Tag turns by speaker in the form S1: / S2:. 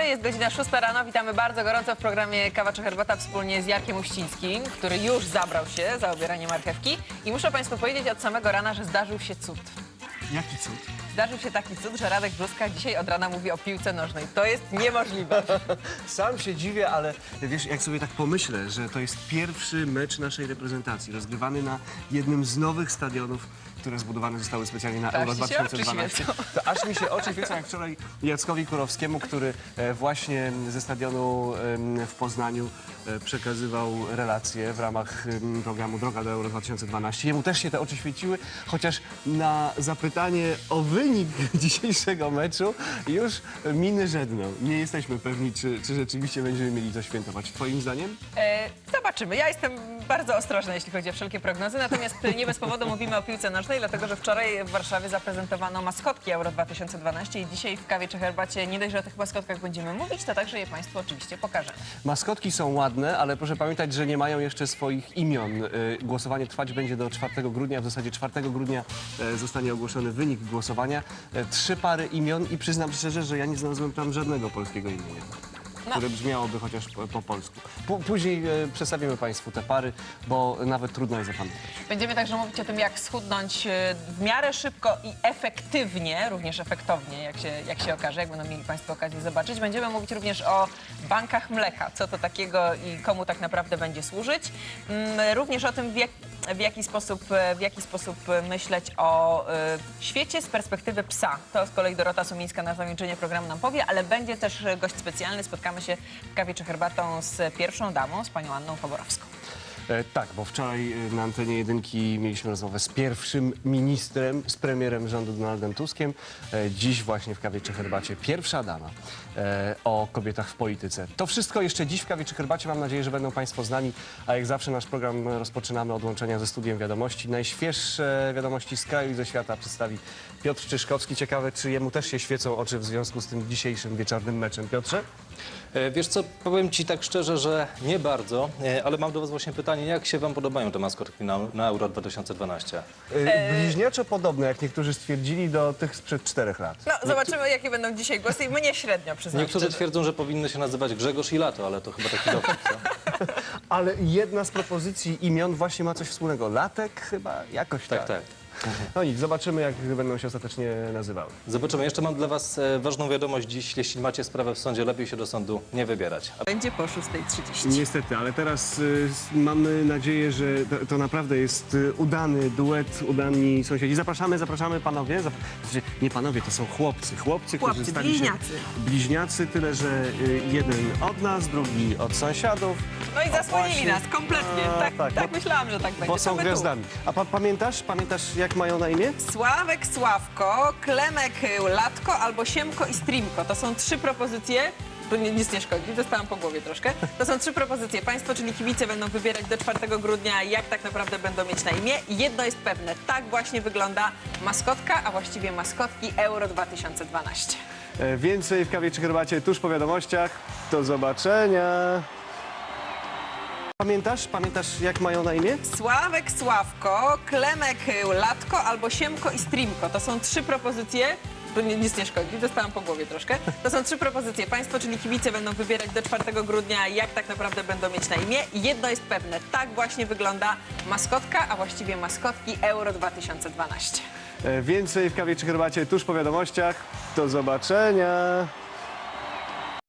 S1: jest godzina 6 rano. Witamy bardzo gorąco w programie Kawa czy Herbata wspólnie z Jarkiem Uścińskim, który już zabrał się za obieranie marchewki. I muszę Państwu powiedzieć od samego rana, że zdarzył się cud.
S2: Jaki cud?
S1: Zdarzył się taki cud, że Radek Brzóska dzisiaj od rana mówi o piłce nożnej. To jest niemożliwe.
S2: Sam się dziwię, ale wiesz, jak sobie tak pomyślę, że to jest pierwszy mecz naszej reprezentacji, rozgrywany na jednym z nowych stadionów, które zbudowane zostały specjalnie na Euro 2012. To aż mi się oczy świecą, jak wczoraj Jackowi Kurowskiemu, który właśnie ze stadionu w Poznaniu przekazywał relacje w ramach programu Droga do Euro 2012. Jemu też się te oczy świeciły, chociaż na zapytanie o wynik dzisiejszego meczu już miny żedną. Nie jesteśmy pewni, czy rzeczywiście będziemy mieli co świętować. Twoim zdaniem?
S1: Zobaczymy. Ja jestem bardzo ostrożna, jeśli chodzi o wszelkie prognozy, natomiast nie bez powodu mówimy o piłce nożnej, dlatego że wczoraj w Warszawie zaprezentowano maskotki Euro 2012 i dzisiaj w Kawie czy Herbacie nie dość, że o tych maskotkach będziemy mówić, to także je Państwu oczywiście pokażemy.
S2: Maskotki są ładne, ale proszę pamiętać, że nie mają jeszcze swoich imion. Głosowanie trwać będzie do 4 grudnia. W zasadzie 4 grudnia zostanie ogłoszony wynik głosowania. 3 pary imion i przyznam szczerze, że ja nie znalazłem tam żadnego polskiego imienia, które brzmiałoby chociaż po polsku. Później przedstawimy Państwu te pary, bo nawet trudno je zapamiętać.
S1: Będziemy także mówić o tym, jak schudnąć w miarę szybko i efektywnie, również efektownie, jak się okaże, jak będą mieli Państwo okazję zobaczyć. Będziemy mówić również o bankach mleka, co to takiego i komu tak naprawdę będzie służyć. Również o tym, w jaki sposób myśleć o świecie z perspektywy psa. To z kolei Dorota Sumińska na zakończenie programu nam powie, ale będzie też gość specjalny. Spotkamy się w Kawie czy Herbatą z pierwszą damą, z panią Anną Choborowską.
S2: Tak, bo wczoraj na antenie Jedynki mieliśmy rozmowę z pierwszym ministrem, z premierem rządu Donaldem Tuskiem. Dziś właśnie w Kawie czy Herbacie pierwsza dama o kobietach w polityce. To wszystko jeszcze dziś w Kawie czy Herbacie. Mam nadzieję, że będą Państwo z nami, a jak zawsze nasz program rozpoczynamy od łączenia ze studiem wiadomości. Najświeższe wiadomości z kraju i ze świata przedstawi Piotr Czyszkowski. Ciekawe, czy jemu też się świecą oczy w związku z tym dzisiejszym wieczornym meczem. Piotrze?
S3: Wiesz co, powiem Ci tak szczerze, że nie bardzo, ale mam do Was właśnie pytanie, jak się Wam podobają te maskotki na Euro 2012?
S2: Bliźniaczo podobne, jak niektórzy stwierdzili, do tych sprzed 4 lat.
S1: No, zobaczymy, jakie będą dzisiaj głosy i mnie średnio, przyznam
S3: Niektórzy
S1: szczerze.
S3: twierdzą, że powinny się nazywać Grzegorz i Lato, ale to chyba taki dowcip, co?
S2: Ale jedna z propozycji imion właśnie ma coś wspólnego. Latek chyba? Jakoś tak.
S3: Tak.
S2: No nic, zobaczymy, jak będą się ostatecznie nazywały.
S3: Zobaczymy. Jeszcze mam dla Was ważną wiadomość dziś. Jeśli macie sprawę w sądzie, lepiej się do sądu nie wybierać.
S1: Będzie po 6:30.
S2: Niestety, ale teraz mamy nadzieję, że to naprawdę jest udany duet, udani sąsiedzi. Zapraszamy panowie. Nie panowie, to są chłopcy, którzy stali
S1: bliźniacy.
S2: się bliźniacy, tyle że jeden od nas, drugi od sąsiadów.
S1: No i zasłonili
S2: właśnie.
S1: nas kompletnie. Tak myślałam, że tak będzie.
S2: Bo są
S1: To my tu.
S2: gwiazdami. A pamiętasz, jak mają na imię?
S1: Sławek, Sławko, Klemek, Latko albo Siemko i Streamko. To są 3 propozycje. To nic nie szkodzi, dostałam po głowie troszkę. To są 3 propozycje. Państwo, czyli kibice, będą wybierać do 4 grudnia, jak tak naprawdę będą mieć na imię. I jedno jest pewne, tak właśnie wygląda maskotka, a właściwie maskotki Euro 2012.
S2: Więcej w Kawie czy Herbacie tuż po wiadomościach. Do zobaczenia. Pamiętasz, jak mają na imię?
S1: Sławek, Sławko, Klemek, Latko albo Siemko i Streamko. To są 3 propozycje. To nic nie szkodzi, dostałam po głowie troszkę. To są 3 propozycje. Państwo, czyli kibice, będą wybierać do 4 grudnia, jak tak naprawdę będą mieć na imię. I jedno jest pewne, tak właśnie wygląda maskotka, a właściwie maskotki Euro 2012.
S2: Więcej w Kawie czy Herbacie tuż po wiadomościach. Do zobaczenia.